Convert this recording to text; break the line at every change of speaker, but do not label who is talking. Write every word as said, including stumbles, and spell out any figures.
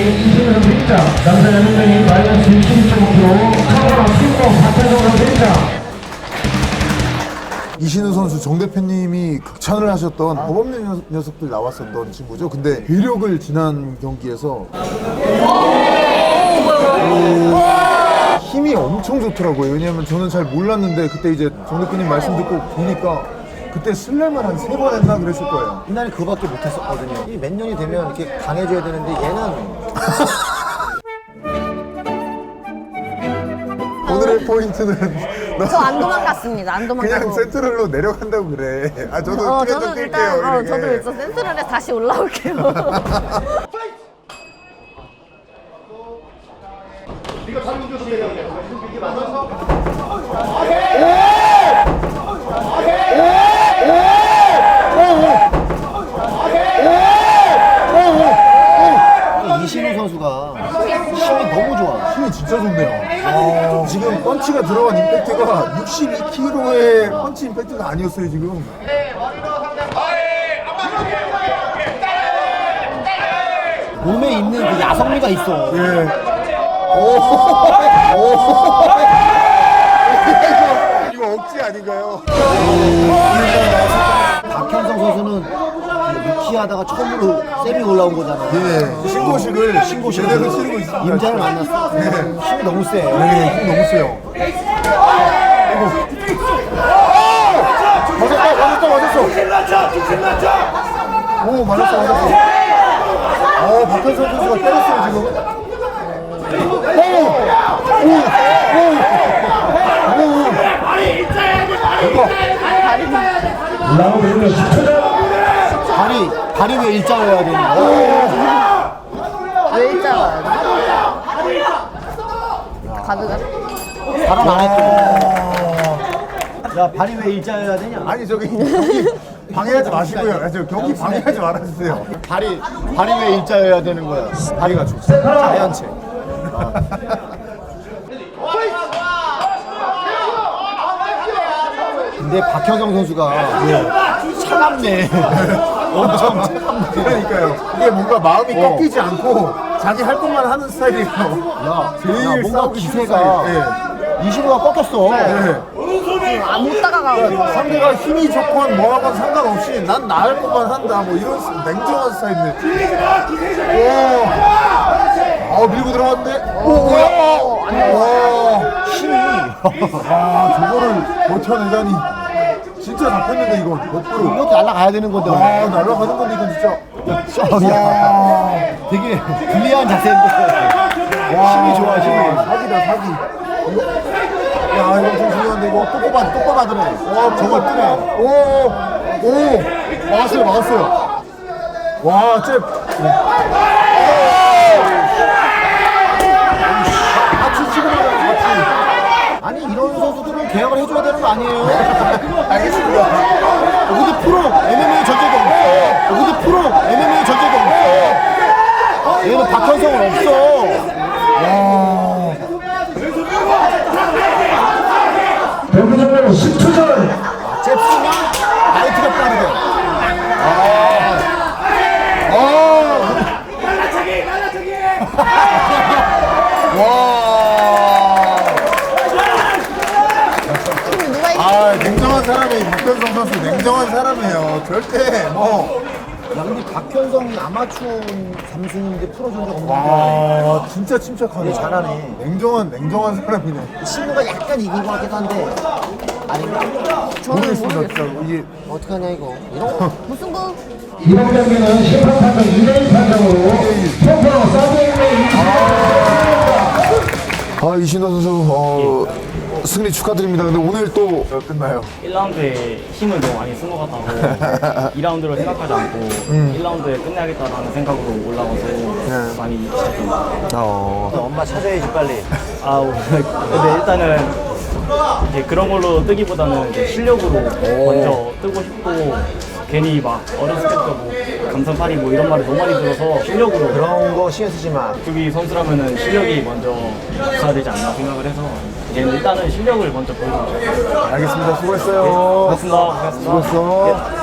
이신우 선수 일 점, 남자 열 명이 마이너스 이십이 점 오 킬로그램, 차고랑 핑퐁 박찬성 선수 일 점.
이신우 선수 정 대표님이 극찬을 하셨던 모범 녀석들 나왔었던 친구죠. 근데 괴력을 지난 경기에서 힘이 엄청 좋더라고요. 왜냐면 저는 잘 몰랐는데 그때 이제 정 대표님 말씀 듣고 보니까 그때 슬램을 한 세 번 했나 그랬을 거예요.
옛날에 그거밖에 못했었거든요. 이 몇 년이 되면 이렇게 강해져야 되는데 얘는
오늘의 포인트는
저 안 도망갔습니다. 안 도망가고.
그냥 센트럴로 내려간다고 그래. 아 저도
어,
뛰어도
저는
뛸게요.
일단 어,
이렇게.
저도 일단 센트럴에 다시 올라올게요.
이신우 선수가 힘이 너무 좋아.
힘이 진짜 좋네요. 지금 펀치가 들어간 임팩트가 육십이 킬로그램의 펀치 임팩트가 아니었어요 지금.
몸에 있는 그 야성미가 있어.
예. 오. 오. 이거, 이거 억지 아닌가요?
박현성 선수는 유키하다가 처음으로 셀이 올라온 거잖아.
예. 신고식을
신고식을
제대로 치르고 있습니다.
임자를 만났어.
네.
힘이 너무 세.
네, 힘 너무 세요. 맞았다, 맞았다, 맞았어. 오, 맞았어, 맞았어. 어, 박현선 선수가 때렸어요, 지금.
라운드 십 초 전.
발이, 발이 왜 일자로 해야 되는 거야?
왜 일자로 가드가?
발언 안 했거든. 야, 발이 왜 일자로 해야 되냐?
아니, 저기, 경기 방해하지 마시고요. 아, 저 경기 방해하지 말아주세요.
발이, 발이 왜 일자로 해야 되는 거야?
다리가 좋죠.
자연체. 근데 박현성 선수가 차갑네. 엄청 차갑네.
그러니까요. 이게 뭔가 마음이
어.
꺾이지 않고 자기 할 것만 하는 스타일이에요.
야,
제일
야, 뭔가
싸우기 싫은
기세가
스타일.
이신우가 꺾였어.
네.
아, 못 다가가고.
상대가 힘이 좋건 뭐하건 상관없이 난 나 할 것만 한다 뭐 이런 스- 냉정한 스타일인데 오, 어 밀고 들어갔는데 오, 뭐야? 와,
힘이.
아 저거를 버텨내다니 진짜 잡혔는데 이건 몇 프로?
이것도 날아가야 되는 건데.
와 날아가는 건데 이건 진짜
야, 되게 불리한 자세인데.
와,
힘이 좋아, 힘이.
사기다 사기. 야 이거 좀 중요한데 이거
또 뽑아, 또 뽑아드네.
와 저걸 뜨네. 오오 막았어요 막았어요. 와 잽. 같이 치고 나가요 같이.
아니, 이런 선수들은 계약을 해줘야 되는 거 아니에요?
알겠습니다.
어디 프로 엠엠에이 전적이 없어. 어디 프로 엠엠에이 전적이 없어. 얘는 박현성은 없어.
경기 종료 십 초 전.
잽스는 라이트가 빠르대.
팀이 누가 있
아 냉정한 사람이 박현성 선수 냉정한 사람이에요. 절대 뭐.
야, 근데 박현성 아마추어 삼승인데 프로 전적 없는데.
와 진짜 침착하네.
잘하네.
냉정한 냉정한 사람이네.
친구가 약간 이긴 것 같기도 한데. 아닌가?
저는
모르겠습니다.
모르겠어요.
진짜 이게
어떡하냐, 이거. 이런 거.
무승부.
이번 경기는 심판 판정 이 대 일 판정으로 통으로 서브웨이
아 이신호 선수 어, 승리 축하드립니다. 근데 오늘 또 끝나요.
일 라운드에 힘을 너무 많이 쓴 것 같아서 이 라운드를 생각하지 않고 일 라운드에 끝내야겠다라는 생각으로 올라가서 많이 지쳤던 것 같아요.
어.
엄마 찾아야지, 빨리.
아, 근데 일단은 이제 그런 걸로 뜨기보다는 이제 실력으로 먼저 뜨고 싶고 괜히 막 어렸을 때부터 뭐 감성팔이 뭐 이런 말을 너무 많이 들어서 실력으로
그런 거 신경 쓰지 마.
투기 선수라면은 실력이 먼저 있어야 되지 않나 생각을 해서 이제는 일단은 실력을 먼저 보여주고 싶어요.
알겠습니다. 수고했어요.
고맙습니다. 고맙습니다.
수고했어.